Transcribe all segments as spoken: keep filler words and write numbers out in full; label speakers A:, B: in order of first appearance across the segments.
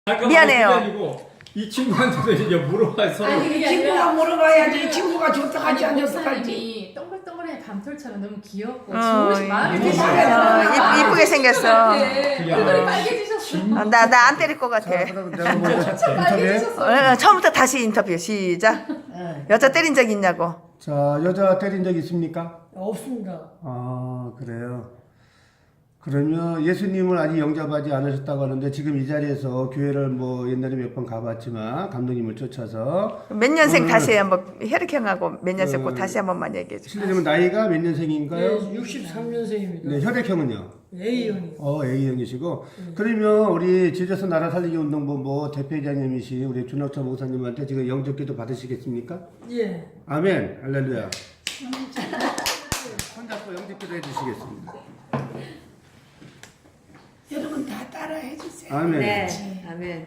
A: 미안해요.
B: 이 친구한테도 이제 물어봐 서로.
C: 아니,
D: 이 친구가 물어봐야지. 이 친구가 좋다 하지 안 좋다 할지.
C: 동글동글한 밤톨처럼 너무 귀엽고
A: 어,
C: 좋으시 마음이
A: 이-
C: 드시잖아요.
A: 어, 이- 이쁘게 생겼어.
C: 네. 얼굴이 빨개지셨어.
A: 나 나 안 때릴 것 같아.
E: 자, 그럼 내가 먼저 인터뷰.
C: 빨개지셨어.
A: 어, 처음부터 다시 인터뷰 시작. 여자 때린 적 있냐고.
E: 자, 여자 때린 적 있습니까?
D: 없습니다.
E: 아, 그래요. 그러면 예수님을 아직 영접하지 않으셨다고 하는데 지금 이 자리에서 교회를 뭐 옛날에 몇 번 가봤지만 감독님을 쫓아서
A: 몇 년생
E: 오늘-
A: 다시 한번 혈액형하고 몇 년생 꼭
E: 어,
A: 다시 한 번만 얘기해 줘.
E: 실례지만 나이가 몇 년생인가요?
D: 네, 육십삼 년생입니다.
E: 네, 혈액형은요?
D: A형이.
E: 어, A형이시고. 그러면 우리 지저스 나라 살리기 운동본부 대표이장님이신 우리 준혁철 목사님한테 지금 영접기도 받으시겠습니까?
D: 예.
E: 아멘. 할렐루야. 손잡고 영접기도 해주시겠습니다.
D: 여러분 다 따라 해주세요.
E: 아멘.
A: 네. 아멘.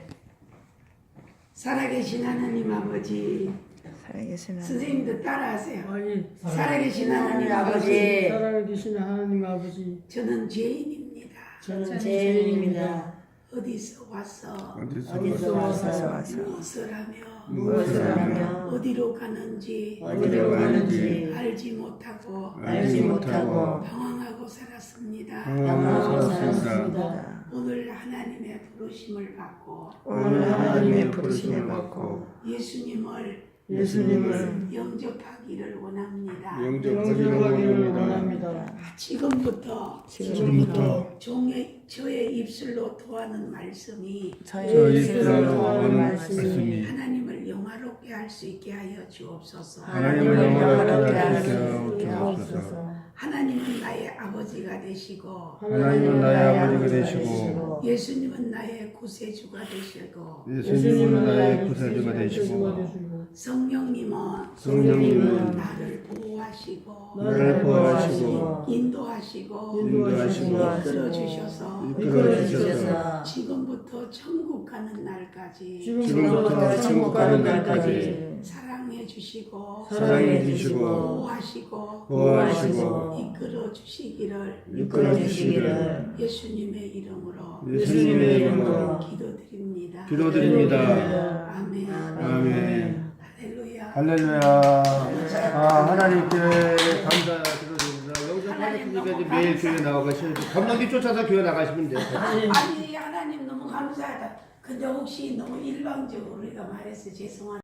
D: 살아계신 하나님 아버지.
A: 살아계시나.
D: 선생님도 따라하세요.
F: 아니,
D: 살아계신 하나님 아버지.
F: 살아계신 하나님 아버지,
D: 저는 죄인입니다.
F: 저는
C: 죄인입니다.
D: 어디서 와서
E: 어디서
F: 어디서
E: 와서
A: 와서 와서
D: 무엇을 하며
E: 무엇을
C: 하며
D: 어디로 가는지
E: 어디로 가는지
D: 알지 못하고
E: 알지 못하고
D: 방황하고 살았습니다.
E: 방황하고 살았습니다.
D: 오늘 하나님의 부르심을 받고
A: 오늘 하나님의 부르심을 받고
D: 예수님을
F: 예수님을
D: 영접하기를 원합니다.
E: 영접하기를
F: 영접하기를
E: 원합니다.
F: 원합니다.
D: 지금부터
E: 지금부터
D: 종의 저의 입술로 토하는 말씀이
A: 저희
E: 저희
A: 입술로
E: 입술로
A: 도하는
E: 하는
A: 말씀이
E: 말씀이
D: 하나님을 영화롭게 할 수 있게 하여 주옵소서.
E: 하나님을 영화롭게 하게 하여 주옵소서.
F: 주옵소서.
D: 하나님은 나의 아버지가 되시고
E: 하나님은 나의 아버지가 되시고
D: 예수님은 나의 구세주가 되시고
E: 예수님은 나의 구세주가 되시고
F: 되시고
D: 성령님은
E: 성령님은
D: 나를 보호하시고
E: 나를 보호하시고
D: 인도하시고
E: 인도하시고
D: 이끌어 주셔서
E: 이끌어 주셔서
D: 지금부터 천국 가는 날까지
E: 지금부터 천국 가는 날까지
D: 사랑해 주시고
E: 사랑해 주시고
D: 보호하시고
E: 보호하시고
D: 이끌어 주시기를
E: 이끌어 주시기를
D: 예수님의 이름으로
E: 예수님의 이름으로
D: 기도드립니다.
E: 기도드립니다.
D: 아멘.
E: 아멘.
D: 할렐루야.
E: 할렐루야. 아, 하나님께 감사드립니다. 영접하셨으니까 이제 매일 교회 나가셔야죠. 감독님 쫓아서 교회 나가시면 돼요.
D: 아니 하나님 너무 감사하다. 근데 혹시 너무 일방적으로 우리가 말해서 죄송한